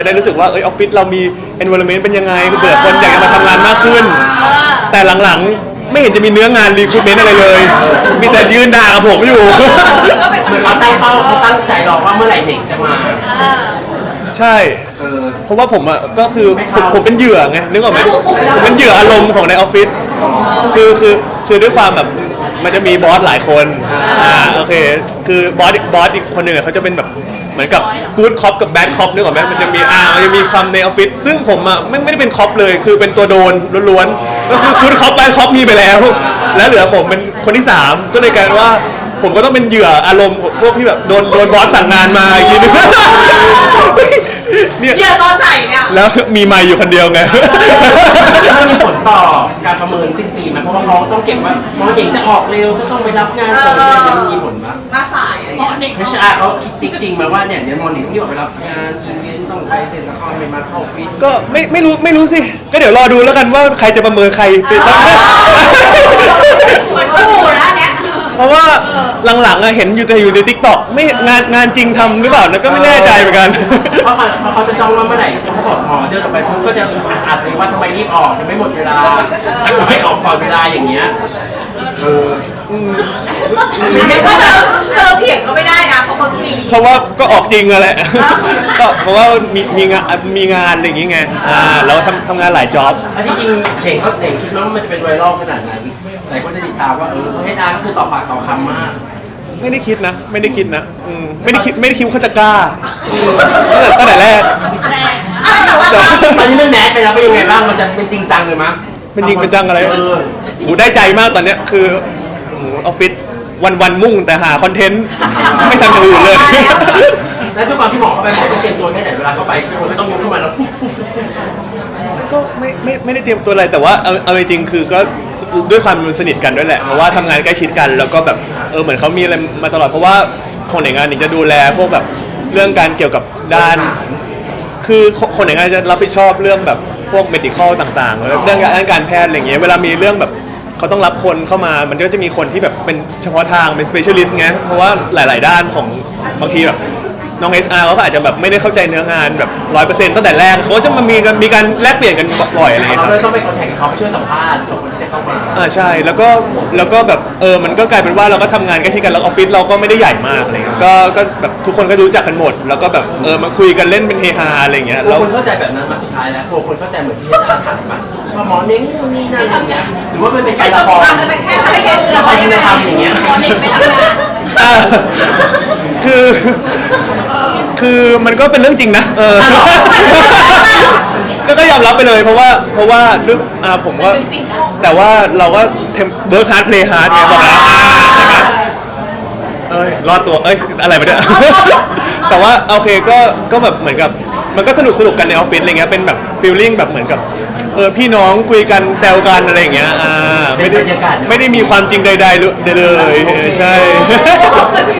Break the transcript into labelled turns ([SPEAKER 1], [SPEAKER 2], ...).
[SPEAKER 1] ได้รู้สึกว่าออฟฟิศเรามี environment เป็นยังไงเผื่อคนอยากจะมาทำงานมากขึ้นแต่หลังๆไม่เห็นจะมีเนื้องาน recruitment อะไรเลยมีแต่ยืนด่ากับผมอยู่
[SPEAKER 2] เหมือนเขาตั้งเป้าเขาตั้งใจรอว่าเมื่อไหร่เด็กจะมา
[SPEAKER 1] ใช่เพราะว่าผมอ่ะก็คือผมเป็นเหยื่อไงนึกออกไหมผมเป็นเหยื่ออารมณ์ของในออฟฟิศคือด้วยความแบบมันจะมีบอสหลายคนโอเคคือบอสอีกคนหนึ่งเขาจะเป็นแบบเหมือนกับกู๊ดคอปกับแบดคอปนึกออกไหมมันจะมีคำในออฟฟิศซึ่งผมอ่ะไม่ได้เป็นคอปเลยคือเป็นตัวโดนล้วนๆก็คือกู๊ดคอปแบดคอปมีไปแล้วแล้วเหลือผมเป็นคนที่3ก็เลยกลายเป็นว่าผมก็ต้องเป็นเหยื่ออารมณ์พวกที่แบบโดนบอสสั่งงานมาอีกทีนึง
[SPEAKER 3] เนี่ยตอนไหนเนี่ย
[SPEAKER 1] แล้วมีไมค์อยู่คนเดียวไง
[SPEAKER 2] มันมีผลต่อการประเมินสิ้นปีไหมเพราะว่าเขาต้องเก็บว่าน้องเด็กจะออกเร็วจะต้องไปรับงานส่งอะไรยังมีผลไหม
[SPEAKER 3] มาสายอะไรเงี้ย
[SPEAKER 2] HR เขาคิดจริงมาว่าเนี่ยเดี๋ยวมอนิต้องรีบไปรับงานอีเวนต์ต้องไปเซ็นละครไปมาเข้าฟิต
[SPEAKER 1] ก็ไม่รู้สิก็เดี๋ยวรอดูแล้วกันว่าใครจะประเมินใคร
[SPEAKER 3] เหมือนกูนะเนี่ย
[SPEAKER 1] เพราะว่าหลังๆเห็นอยู่ใน TikTok ไม่งานจริงทำหรือเปล่านะก็ไม่แน่ใจเหมือนกัน
[SPEAKER 2] เพราะเขาจะจ้องว่าเมื่อไหร่เขาบอกพอเดินออกไปปุ๊บก็จะอัดเลยว่าทำไมรีบออกยังไม่หมดเวลาไม่ออกก่อนเวลาอย่างเงี้ย
[SPEAKER 3] เราเถียงก็ไม่ได้นะเพราะเขา
[SPEAKER 1] เพราะว่าก็ออกจริงอะแหละก็เพราะว่ามีงานอะไรอย่างเงี้ยเราทำงานหลายจ็อบ
[SPEAKER 2] จริงๆเห็นคิดว่ามันจะเป็นไวรัลขนาดนั้นหลายคนจะติดตามว่าให้ตาก็คือต่อปากต่อคำมาก
[SPEAKER 1] ไม่ได้คิดนะไม่ได้คิดว่าเขาจะกล้าตั้งแต่แรก
[SPEAKER 2] ตอนนี้เรื่องแมสไปแล้วเป็นยังไงบ้างมันจะเป็นจริงจังเลยมั้ย
[SPEAKER 1] เป็นจริงเป็นจังอะไรได้ใจมากตอนเนี้ยคือออฟฟิศวันมุ่งแต่หาคอนเทนต์ไม่ทำอย่างอื่นเลย
[SPEAKER 2] แล้วทุกความที่หมอเข้าไปหมอต้องเตรียมตัวแค่ไหนเวลาเข้าไปคนไม่ต้องยกขึ้นมาแล้วฟุ๊บ
[SPEAKER 1] ก็ไม่ได้เตรียมตัวอะไรแต่ว่าเอาจริงคือก็ด้วยความสนิทกันด้วยแหละเพราะว่าทำงานใกล้ชิดกันแล้วก็แบบเหมือนเขามีอะไรมาตลอดเพราะว่าคนในงานนี่จะดูแลพวกแบบเรื่องการเกี่ยวกับด้านคือคนในงานจะรับผิดชอบเรื่องแบบพวก medical ต่างๆเรื่องการแพทย์อะไรเงี้ยเวลามีเรื่องแบบเขาต้องรับคนเข้ามามันก็จะมีคนที่แบบเป็นเฉพาะทางเป็น specialist ไงเพราะว่าหลายๆด้านของบางทีแบบน้อง HR เขาอาจจะแบบไม่ได้เข้าใจเนื้องานแบบ 100% ตั้งแต่แรกเขาจะมามีการแลกเปลี่ยนกันบ่อยอะไรเงี้ย
[SPEAKER 2] เราเลยต้องไปคอนแทคกับเขาเพื่อสัมภาษณ์กับคนที่จะเข้ามา
[SPEAKER 1] ใช่แล้วก็แบบมันก็กลายเป็นว่าเราก็ทำงานใกล้ชิดกันแล้วออฟฟิศเราก็ไม่ได้ใหญ่มากอะไรเงี้ยก็แบบทุกคนก็รู้จักกันหมดแล้วก็แบบมาคุยกันเล่นเป็นเฮฮาอะไรเงี้ย
[SPEAKER 2] แล้วคนเข้าใจแบบนั้นมาสุดท้ายแล้วคนเข้าใจเหมือนที่อาจารย์ถามมาว่าหมอเน้งนี่นั่นอย่างเงี้ยหรือว่ามันเป็นการละคร
[SPEAKER 3] มันเป็นแค่อะไรกัน
[SPEAKER 2] ละครที่ทำอย่างเงี้ย
[SPEAKER 3] หมอเน้งไม่ทำงาน
[SPEAKER 1] คือมันก็เป็นเรื่องจริงนะก็ยอมรับไปเลยเพราะว่าลึกผมก็แต่ว่าเราก็เวิร์คฮาร์ดเพลย์ฮาร์ดเนี่ยบอกแล้วรอดตัวอะไรมาเนี่ยแต่ว่าโอเคก็แบบเหมือนกับมันก็สนุกกันในออฟฟิศอะไรเงี้ยเป็นแบบฟีลลิ่งแบบเหมือนกับพี่น้องคุยกันแซวกันอะไรอย่างเงี้ยไม่ได้มีความจริงใดๆเลยใช่